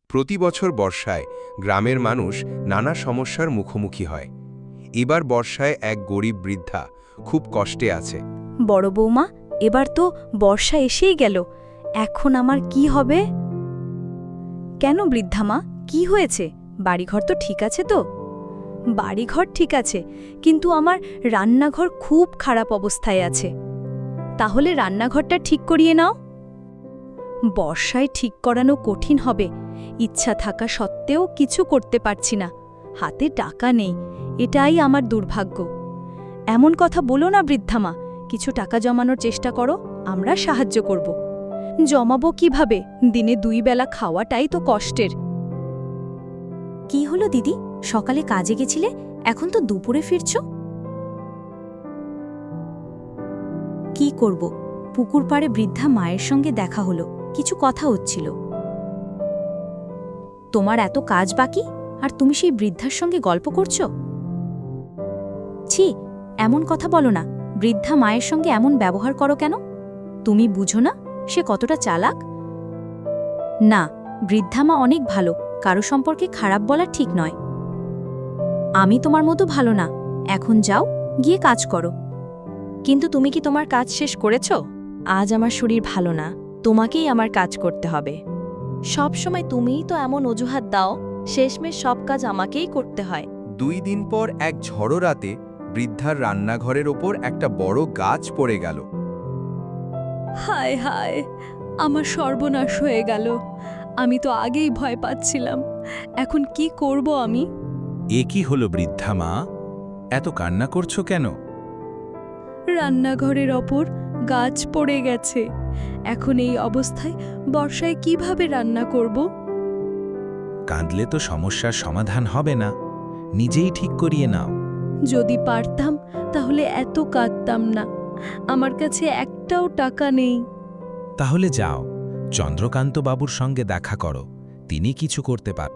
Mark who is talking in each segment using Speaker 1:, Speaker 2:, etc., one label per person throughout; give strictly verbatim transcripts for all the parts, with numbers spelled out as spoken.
Speaker 1: প্রতি বছর বর্ষায় গ্রামের মানুষ নানা সমস্যার মুখোমুখি হয়। এবার বর্ষায় এক গরিব বৃদ্ধা খুব কষ্টে আছে।
Speaker 2: বড় বৌমা, এবার তো বর্ষা এসেই গেল, এখন আমার কি হবে? কেন বৃদ্ধামা, কি হয়েছে? বাড়িঘর তো ঠিক আছে তো? বাড়িঘর ঠিক আছে, কিন্তু আমার রান্নাঘর খুব খারাপ অবস্থায় আছে। তাহলে রান্নাঘরটা ঠিক করিয়ে নাও। বর্ষায় ঠিক করানো কঠিন হবে, ইচ্ছা থাকা সত্ত্বেও কিছু করতে পারছি না, হাতে টাকা নেই, এটাই আমার দুর্ভাগ্য। এমন কথা বলো না বৃদ্ধামা, কিছু টাকা জমানোর চেষ্টা করো, আমরা সাহায্য করব। জমাবো কিভাবে? দিনে দুই বেলা খাওয়াটাই তো কষ্টের। কি হলো দিদি, সকালে কাজে গেছিলে, এখন তো দুপুরে ফিরছ? কি করব, পুকুর পাড়ে বৃদ্ধা মায়ের সঙ্গে দেখা হলো, কিছু কথা হচ্ছিল। তোমার এত কাজ বাকি, আর তুমি সেই বৃদ্ধার সঙ্গে গল্প করছো? ছি, এমন কথা বলো না, বৃদ্ধা মায়ের সঙ্গে এমন ব্যবহার করো কেন? তুমি বুঝো না সে কতটা চালাক? না, বৃদ্ধা মা অনেক ভালো, কারো সম্পর্কে খারাপ বলা ঠিক নয়। আমি তোমার মতো ভালো না, এখন যাও, গিয়ে কাজ করো। কিন্তু তুমি কি তোমার কাজ শেষ করেছ? আজ আমার শরীর ভালো না, তোমাকেই আমার কাজ করতে হবে। সব সময় তুমিই তো এমন অজুহাত দাও, শেষমেশ সব কাজ আমাকেই করতে হয়।
Speaker 1: দুই দিন পর এক ঝড়ো রাতে বৃদ্ধার রান্নাঘরের ওপর একটা বড় গাছ পড়ে গেল।
Speaker 2: হায় হায়, আমার সর্বনাশ হয়ে গেল, আমি তো আগেই ভয় পাচ্ছিলাম, এখন কি করব আমি?
Speaker 3: এ কি হলো বৃদ্ধা মা, এত কান্না করছো কেন?
Speaker 2: রান্নাঘরের ওপর গাছ পড়ে গেছে, এখন এই অবস্থায় বর্ষায় কিভাবে রান্না করব?
Speaker 3: কাঁদলে তো সমস্যার সমাধান হবে না, নিজেই ঠিক করিয়ে নাও।
Speaker 2: যদি পারতাম তাহলে এত কাঁদতাম না, আমার কাছে একটাও টাকা নেই।
Speaker 3: তাহলে যাও, চন্দ্রকান্ত বাবুর সঙ্গে দেখা করো, তিনি কিছু করতে পার।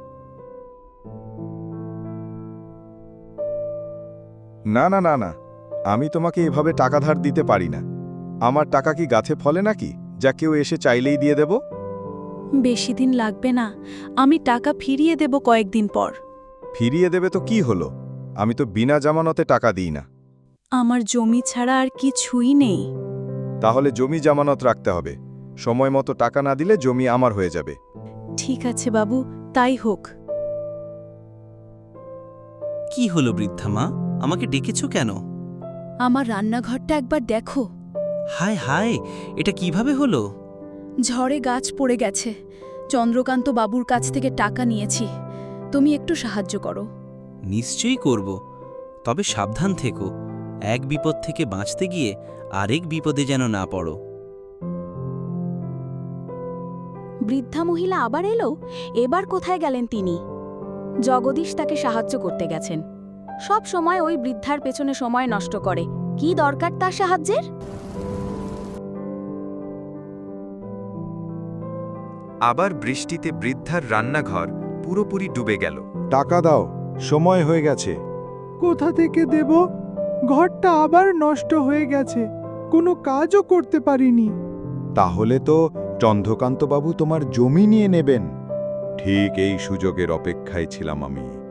Speaker 4: না না না না, আমি তোমাকে এভাবে টাকা ধার দিতে পারি না। আমার টাকা কি গাছে ফলে নাকি, যা কেউ এসে চাইলেই দিয়ে দেব?
Speaker 2: বেশি দিন লাগবে না, আমি টাকা ফিরিয়ে দেব কয়েকদিন পর।
Speaker 4: ফিরিয়ে দেবে তো কি হলো, আমি তো বিনা জামানতে টাকা দিই না।
Speaker 2: আমার জমি ছাড়া আর কিছুই নেই।
Speaker 4: তাহলে জমি জামানত রাখতে হবে, সময় মতো টাকা না দিলে জমি আমার হয়ে যাবে।
Speaker 2: ঠিক আছে বাবু, তাই হোক।
Speaker 5: কি হলো বৃদ্ধা মা, আমাকে ডেকেছো কেন?
Speaker 2: আমার রান্নাঘরটা একবার দেখো।
Speaker 5: হায় হায়, এটা কিভাবে হলো?
Speaker 2: ঝড়ে গাছ পড়ে গেছে, চন্দ্রকান্ত বাবুর কাছ থেকে টাকা নিয়েছি, তুমি একটু সাহায্য করো।
Speaker 5: নিশ্চয়ই করব, তবে সাবধান থেকো, এক বিপদ থেকে বাঁচতে গিয়ে আরেক বিপদে যেন না পড়ো।
Speaker 2: বৃদ্ধা মহিলা আবার এলো, এবার কোথায় গেলেন তিনি? জগদীশ তাকে সাহায্য করতে গেছেন, সব সময় ওই বৃদ্ধার পেছনে সময় নষ্ট করে, কি দরকার তার সাহায্যের?
Speaker 1: আবার বৃষ্টিতে বৃদ্ধার রান্নাঘর পুরোপুরি ডুবে গেল।
Speaker 4: টাকা দাও, সময় হয়ে গেছে।
Speaker 6: কোথা থেকে দেব? ঘরটা আবার নষ্ট হয়ে গেছে, কোনো কাজও করতে পারিনি।
Speaker 4: তাহলে তো চন্দ্রকান্তবাবু তোমার জমি নিয়ে নেবেন। ঠিক এই সুযোগের অপেক্ষায় ছিলাম আমি।